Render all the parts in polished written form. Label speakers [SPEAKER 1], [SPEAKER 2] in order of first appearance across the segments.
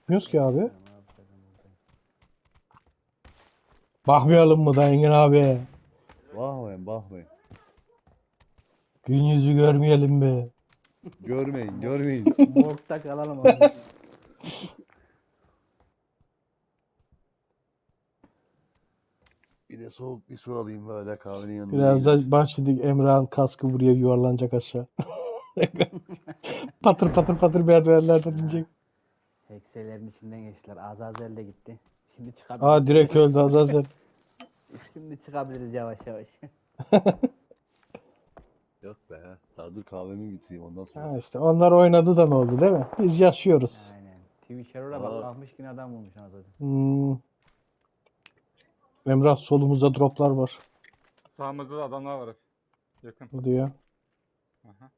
[SPEAKER 1] Gitmiyoruz ki abi.
[SPEAKER 2] Bilmiyorum abi, zaten buradayım.
[SPEAKER 1] Bakmayalım mı da Engin abi?
[SPEAKER 3] Bakmayın bakmayın.
[SPEAKER 1] Gün yüzü görmeyelim mi?
[SPEAKER 3] Görmeyin görmeyin.
[SPEAKER 2] Morgda kalalım abi.
[SPEAKER 3] Bir de soğuk bir su alayım böyle kahvenin yanında.
[SPEAKER 1] Biraz
[SPEAKER 3] iyidir.
[SPEAKER 1] da başladık Emrah'ın kaskı buraya yuvarlanacak aşağı. Patır patır patır merdivenlerden inecek.
[SPEAKER 2] Hekselerin içinden geçtiler. Azazel de gitti. Şimdi
[SPEAKER 1] Aa
[SPEAKER 2] çıkabiliriz.
[SPEAKER 1] direkt öldü Azazel.
[SPEAKER 2] Şimdi çıkabiliriz yavaş yavaş.
[SPEAKER 3] Yok be. Daha dur kahvemi bitireyim ondan sonra.
[SPEAKER 1] Ha işte onlar oynadı da ne oldu değil mi? Biz yaşıyoruz.
[SPEAKER 2] Aynen. Twitch Hero'la bak
[SPEAKER 3] Aa.
[SPEAKER 2] kalkmış yine adam bulmuş anasını.
[SPEAKER 1] Hmm. Emrah solumuzda droplar var.
[SPEAKER 4] Sağımızda da adamlar var hep. Yakın.
[SPEAKER 1] Bu diyor.
[SPEAKER 4] Aha.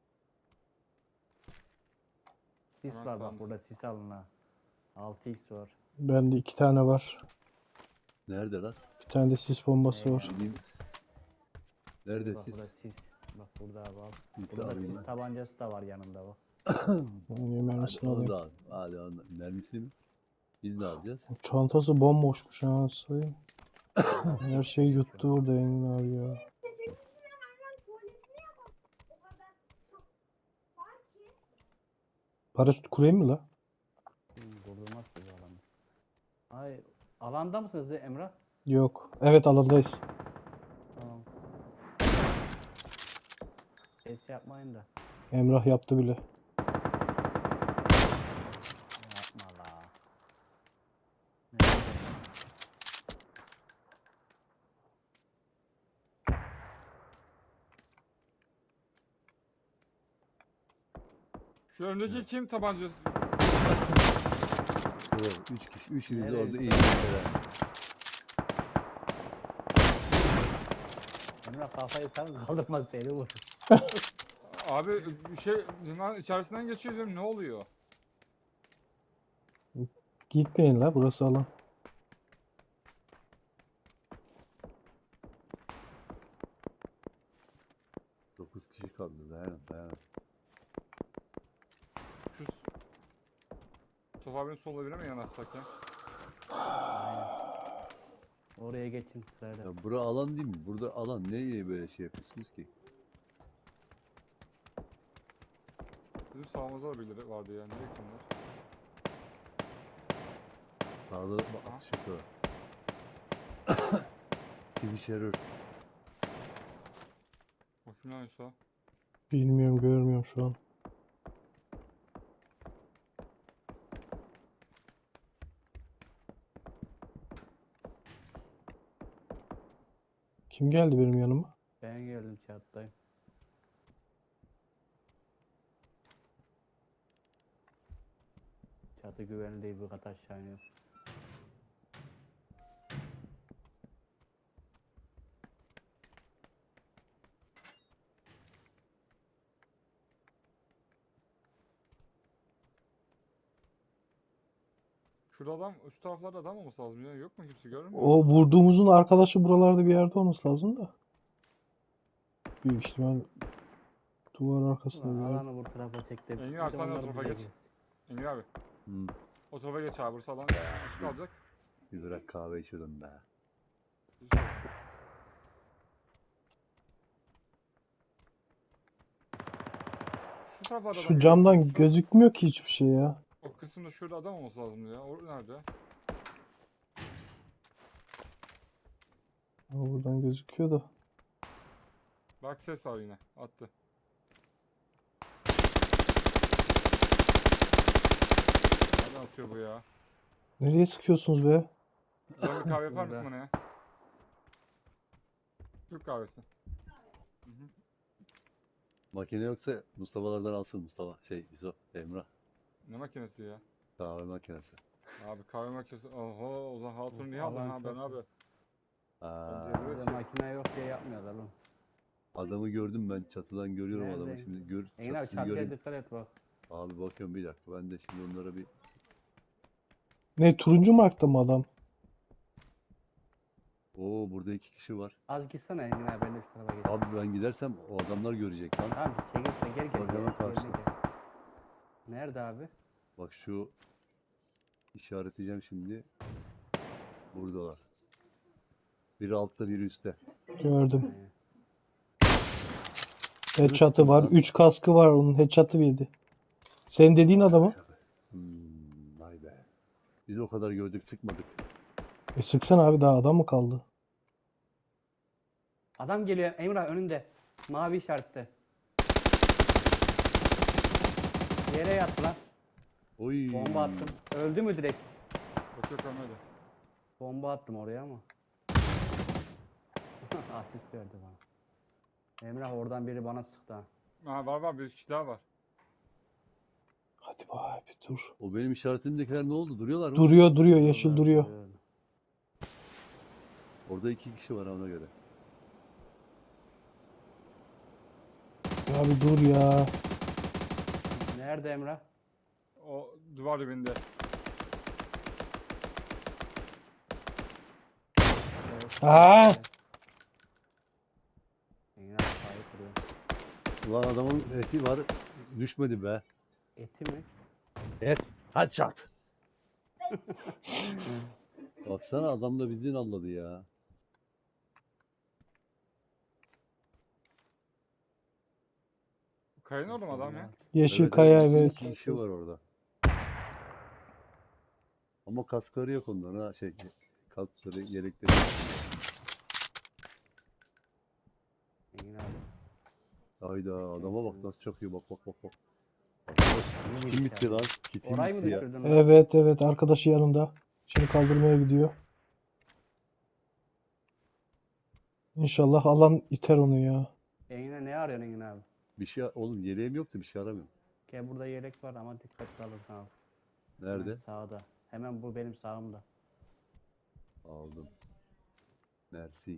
[SPEAKER 2] Sis
[SPEAKER 4] Hemen
[SPEAKER 2] var bak
[SPEAKER 4] sağımız.
[SPEAKER 2] burada, sis alın ha. 6x var.
[SPEAKER 1] Bende 2 tane var.
[SPEAKER 3] Nerede lan?
[SPEAKER 1] Bir tane de sis bombası var.
[SPEAKER 3] Gideyim. Nerede
[SPEAKER 2] Bak
[SPEAKER 3] siz?
[SPEAKER 2] burada sis. Bak burada abi al.
[SPEAKER 3] Bir
[SPEAKER 2] Burada
[SPEAKER 3] alayım
[SPEAKER 2] sis
[SPEAKER 3] ben.
[SPEAKER 2] tabancası da var yanında bak.
[SPEAKER 1] Yani mermisini
[SPEAKER 3] Hadi onu
[SPEAKER 1] alayım.
[SPEAKER 3] da al. Hadi onu. Mermisini mi? Biz ne alacağız?
[SPEAKER 1] Çantası bomboşmuş ha sayayım. Her şeyi yuttu orada Engin abi ya. Paraşüt kurayım mı la?
[SPEAKER 2] Durdurmaz ki bu alanı. Ay, alanda mısınız Emrah?
[SPEAKER 1] Yok. Evet alandayız.
[SPEAKER 2] Tamam. Ses yapmayın da.
[SPEAKER 1] Emrah yaptı bile.
[SPEAKER 2] Yapma la. Neyse.
[SPEAKER 4] Şu öndeki kim tabancası?
[SPEAKER 3] Evet, 3 kişi. Üçünüz
[SPEAKER 2] Nereye
[SPEAKER 3] orada iyi.
[SPEAKER 2] gitti? Emrah kafayı sarın kaldırmaz seni vur.
[SPEAKER 4] Abi bir şey liman içerisinden geçiyor diyorum, ne oluyor?
[SPEAKER 1] Gitmeyin la burası alan.
[SPEAKER 3] Dokuz kişi kaldı. Dayanın dayanın.
[SPEAKER 4] Şu Sofa abinin sol evine mi yanaşsak ya?
[SPEAKER 2] Aynen. Oraya geçin sırayla.
[SPEAKER 3] Ya bura alan değil mi? Burada alan. Neye böyle şey yapıyorsunuz ki?
[SPEAKER 4] Bizim sağımızda da birileri vardı ya. Nereye kimler?
[SPEAKER 3] Sağda
[SPEAKER 4] Aha.
[SPEAKER 3] atış yapıyor. Twitch error.
[SPEAKER 4] Bakayım lan Yusuf.
[SPEAKER 1] Bilmiyorum görmüyorum şu an. Kim geldi benim yanıma?
[SPEAKER 2] Ben geldim çattayım. Çatı güvenli değil, bir kat aşağı iniyor.
[SPEAKER 4] Şurada adam, şu taraflarda adam olması lazım ya. Yok mu kimse, görmüyor
[SPEAKER 1] O
[SPEAKER 4] musun?
[SPEAKER 1] vurduğumuzun arkadaşı buralarda bir yerde olması lazım da. Büyük ihtimal duvar arkasında
[SPEAKER 2] Ulan
[SPEAKER 1] bir yerde.
[SPEAKER 2] alanı bu tarafa çekti.
[SPEAKER 4] Engin
[SPEAKER 2] Bir
[SPEAKER 4] abi
[SPEAKER 2] de
[SPEAKER 4] sen de o
[SPEAKER 2] onlar
[SPEAKER 4] tarafa
[SPEAKER 2] bize
[SPEAKER 4] geç.
[SPEAKER 2] gelsin.
[SPEAKER 4] Engin abi.
[SPEAKER 3] Hmm.
[SPEAKER 4] O tarafa geç abi. Burası alan açık kalacak.
[SPEAKER 3] Bir bırak kahve içiyordum be.
[SPEAKER 4] Şu taraflarda adam
[SPEAKER 1] Şu
[SPEAKER 4] görüyor
[SPEAKER 1] camdan
[SPEAKER 4] musun?
[SPEAKER 1] gözükmüyor ki hiçbir şey ya.
[SPEAKER 4] O kısımda şurada adam olması lazım ya. O nerede?
[SPEAKER 1] Ama buradan gözüküyor da.
[SPEAKER 4] Bak ses var yine. Attı. Nereden atıyor bu ya?
[SPEAKER 1] Nereye sıkıyorsunuz be?
[SPEAKER 4] Buradan bir kahve yapar mısın
[SPEAKER 2] Burada.
[SPEAKER 4] bana ya? Türk kahvesi. Hı hı.
[SPEAKER 3] Makine yoksa Mustafa'lardan alsın Mustafa. Yusuf, Emrah.
[SPEAKER 4] Ne makinesi ya?
[SPEAKER 3] Kahve makinesi.
[SPEAKER 4] Abi kahve makinesi. Oho, o zaman hatunu niye aldın
[SPEAKER 2] Alan
[SPEAKER 4] ha ben
[SPEAKER 2] çok-
[SPEAKER 4] abi?
[SPEAKER 3] Aa,
[SPEAKER 4] Bence
[SPEAKER 2] Burada makine yok diye yapmıyorlar oğlum.
[SPEAKER 3] adamı gördüm ben çatıdan görüyorum adamı
[SPEAKER 2] Nerede?
[SPEAKER 3] şimdi
[SPEAKER 2] Engin abi
[SPEAKER 3] çatısını
[SPEAKER 2] çatıya
[SPEAKER 3] göreyim.
[SPEAKER 2] dikkat et bak.
[SPEAKER 3] Abi bakıyorum bir dakika ben de şimdi onlara bir
[SPEAKER 1] Ne turuncu markta mı adam?
[SPEAKER 3] burada 2 kişi var.
[SPEAKER 2] Az gitsene Engin abi, ben de şu tarafa geçeyim.
[SPEAKER 3] Abi ben gidersem o adamlar görecek lan.
[SPEAKER 2] Tamam çekilse gel gel.
[SPEAKER 3] Bak hemen
[SPEAKER 2] eski yerine
[SPEAKER 3] karşıda.
[SPEAKER 2] gel. Nerede abi?
[SPEAKER 3] Bak şu İşaretleyeceğim şimdi. Buradalar. Biri altta, biri üstte.
[SPEAKER 1] Gördüm.
[SPEAKER 2] Ee,
[SPEAKER 1] Headshot'ı var.
[SPEAKER 3] lan.
[SPEAKER 1] 3 kaskı var onun. Headshot'ı yedi. Senin dediğin adamı.
[SPEAKER 3] Vay be. Biz o kadar gördük, sıkmadık.
[SPEAKER 1] Sıksana abi, daha adam mı kaldı?
[SPEAKER 2] Adam geliyor Emrah önünde. Mavi işarette. Yere yattı lan.
[SPEAKER 3] Oy.
[SPEAKER 2] Bomba attım. Öldü mü direkt?
[SPEAKER 4] Yok yok ölmedi.
[SPEAKER 2] Bomba attım oraya ama. Asist verdi bana. Emrah oradan biri bana sıktı ha.
[SPEAKER 4] Ha, var bir kişi daha var.
[SPEAKER 1] Hadi be abi dur.
[SPEAKER 3] O benim işaretimdekiler ne oldu? Duruyorlar mı?
[SPEAKER 1] Duruyor yeşil
[SPEAKER 2] Vallahi
[SPEAKER 1] duruyor.
[SPEAKER 3] Orada 2 kişi var ona göre.
[SPEAKER 1] Ya abi dur ya.
[SPEAKER 2] Nerede Emrah?
[SPEAKER 4] O duvar dibinde.
[SPEAKER 1] Aa!
[SPEAKER 2] Emrah kafayı kırıyor.
[SPEAKER 3] Ulan adamın eti var. Düşmedi be.
[SPEAKER 2] Eti mi?
[SPEAKER 3] Et. Headshot. Baksana adam da bizi nalladı ya.
[SPEAKER 4] Kayın orada mı adam ya?
[SPEAKER 1] Yeşil
[SPEAKER 3] Evet,
[SPEAKER 1] kaya
[SPEAKER 3] evet.
[SPEAKER 1] evet.
[SPEAKER 3] 2 kişi var orada. Ama kaskları yok onların ha. Kaskları, yelekleri.
[SPEAKER 2] Engin abi.
[SPEAKER 3] Hayda adama bak nasıl çakıyor, bak. Arkadaş, kitim bitti lan. Kitim
[SPEAKER 2] Orayı mı
[SPEAKER 3] bitti ya.
[SPEAKER 2] düşürdün lan?
[SPEAKER 1] Evet arkadaşı yanında. Şimdi kaldırmaya gidiyor. İnşallah alan iter onu ya.
[SPEAKER 2] Engin'e ne arıyorsun Engin abi?
[SPEAKER 3] Bir şey oğlum, yeleğim yoktu, bir şey aramıyorum.
[SPEAKER 2] Gel burada yelek var ama dikkatli alırsan al.
[SPEAKER 3] Nerede?
[SPEAKER 2] Hemen sağda. Hemen bu benim sağımda.
[SPEAKER 3] Aldım. Mersi.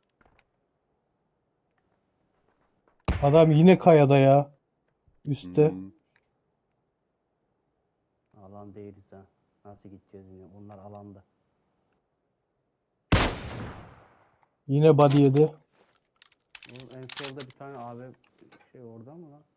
[SPEAKER 1] Adam yine kayada ya. Üste.
[SPEAKER 3] Hmm.
[SPEAKER 2] Alan değiliz ha. Nasıl gideceğiz yine? Onlar alanda.
[SPEAKER 1] Yine body yedi.
[SPEAKER 2] Oğlum en solda bir tane abi şey orada mı lan?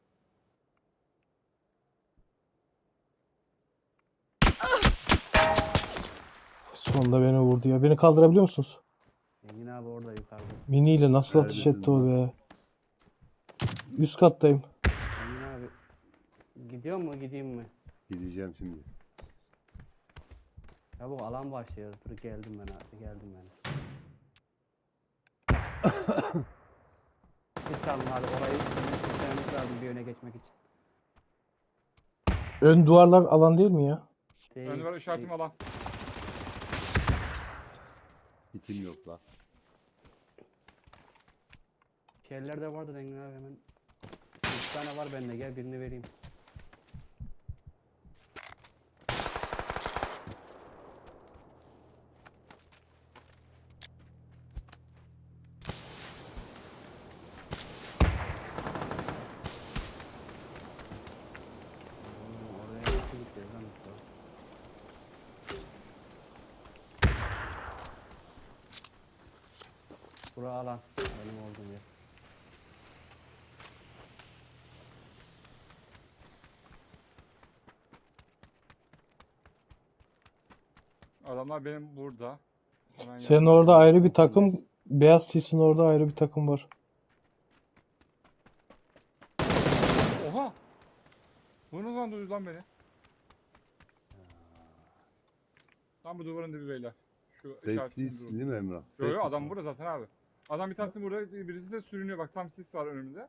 [SPEAKER 1] Sonunda beni vurdu ya. Beni kaldırabiliyor musunuz?
[SPEAKER 2] Engin abi orada yukarıda.
[SPEAKER 1] Mini ile nasıl ateş
[SPEAKER 3] Neredesin
[SPEAKER 1] etti o be. Üst kattayım.
[SPEAKER 2] Engin abi gidiyor mu gideyim mi?
[SPEAKER 3] Gideceğim şimdi.
[SPEAKER 2] Ya bu alan başlıyor. Dur geldim ben abi geldim ben. Bir salın abi orayı bitirmemiz lazım bir öne geçmek için.
[SPEAKER 1] Ön duvarlar alan değil mi ya?
[SPEAKER 2] Değil,
[SPEAKER 4] Ön var işaretim
[SPEAKER 2] değil.
[SPEAKER 4] alan.
[SPEAKER 3] Kitim yok la.
[SPEAKER 2] Şeyler de vardı Engin abi hemen. 3 tane var bende gel birini vereyim. Oraya nasıl gideceğiz lan Mustafa? Bura alan. Benim olduğum yer.
[SPEAKER 4] Adamlar benim burada. Hemen
[SPEAKER 1] Senin
[SPEAKER 4] yanımda.
[SPEAKER 1] orada ayrı bir takım. Beyaz sisin orada ayrı bir takım var.
[SPEAKER 4] Oha! Bu ne zaman duydu lan beni? Tam bu duvarın dibi beyler. Şu
[SPEAKER 3] Safety
[SPEAKER 4] işaretin duvarı.
[SPEAKER 3] değil mi Emrah?
[SPEAKER 4] Yo
[SPEAKER 3] Safety
[SPEAKER 4] yo adam
[SPEAKER 3] mi?
[SPEAKER 4] burada zaten abi. Adam bir tanesi burada, birisi de sürünüyor. Bak tam sis var önümde.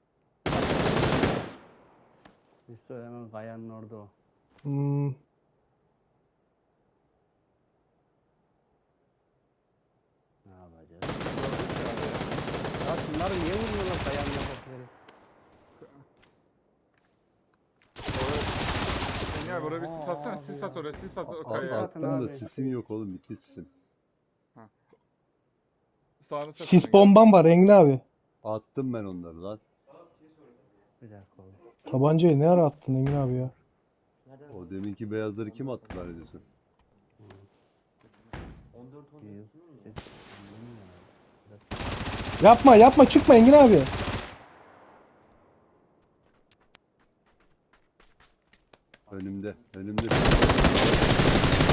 [SPEAKER 2] Üstü hemen kayanın orada o.
[SPEAKER 1] Hmm.
[SPEAKER 2] Ne yapacağız? Ya şunları niye vurmuyorlar kayanın oradakileri?
[SPEAKER 4] Engin abi oraya bir sis atsana.
[SPEAKER 2] Aa,
[SPEAKER 4] Sis
[SPEAKER 2] abi
[SPEAKER 4] at oraya. Sis at o
[SPEAKER 3] Abi
[SPEAKER 4] kayaya.
[SPEAKER 2] zaten
[SPEAKER 3] attım da
[SPEAKER 2] abi.
[SPEAKER 3] sisim yok oğlum, bitti sisim.
[SPEAKER 4] Sağını sis at
[SPEAKER 1] Sis
[SPEAKER 4] Engin.
[SPEAKER 1] bombam var Engin abi.
[SPEAKER 3] Attım ben onları lan.
[SPEAKER 2] Bir dakika oğlum.
[SPEAKER 1] Tabancayı ne ara attın Engin abi ya?
[SPEAKER 3] O deminki beyazları kim attı zannediyorsun?
[SPEAKER 1] Yapma çıkma Engin abi.
[SPEAKER 3] Önümde.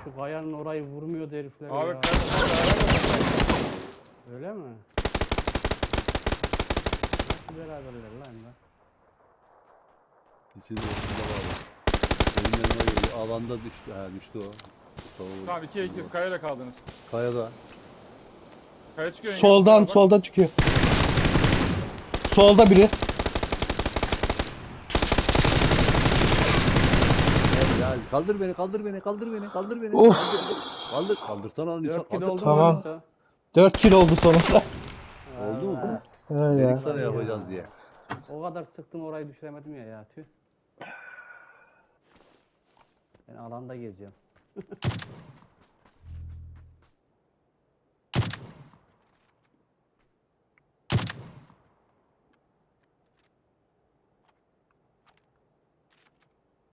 [SPEAKER 2] şu kayanın orayı vurmuyordu herifler
[SPEAKER 4] Abi
[SPEAKER 2] ya. Öyle mi? Nasıl beraberler lan Emrah?
[SPEAKER 3] İçinde ortada var. Benim yanıma geliyor. Alanda düştü. Ha düştü o.
[SPEAKER 4] Tamam 2'ye 2 kayayla kaldınız.
[SPEAKER 3] Kayada.
[SPEAKER 4] Kaya çıkıyor. yenge,
[SPEAKER 1] Soldan
[SPEAKER 4] kusura bak.
[SPEAKER 1] soldan çıkıyor. Solda biri.
[SPEAKER 3] Ya kaldır beni, kaldır beni, kaldır beni, kaldır beni.
[SPEAKER 1] Of.
[SPEAKER 3] Kaldır, kaldırsana onu.
[SPEAKER 2] 4 kilo oldu mu
[SPEAKER 1] Tamam.
[SPEAKER 2] orası?
[SPEAKER 1] 4 kill oldu sonunda.
[SPEAKER 3] Oldu mu?
[SPEAKER 2] Allah.
[SPEAKER 1] He ya.
[SPEAKER 3] Dedik sana yapacağız diye.
[SPEAKER 2] O kadar sıktım orayı düşüremedim ya tüh. Ben alanda gezeceğim.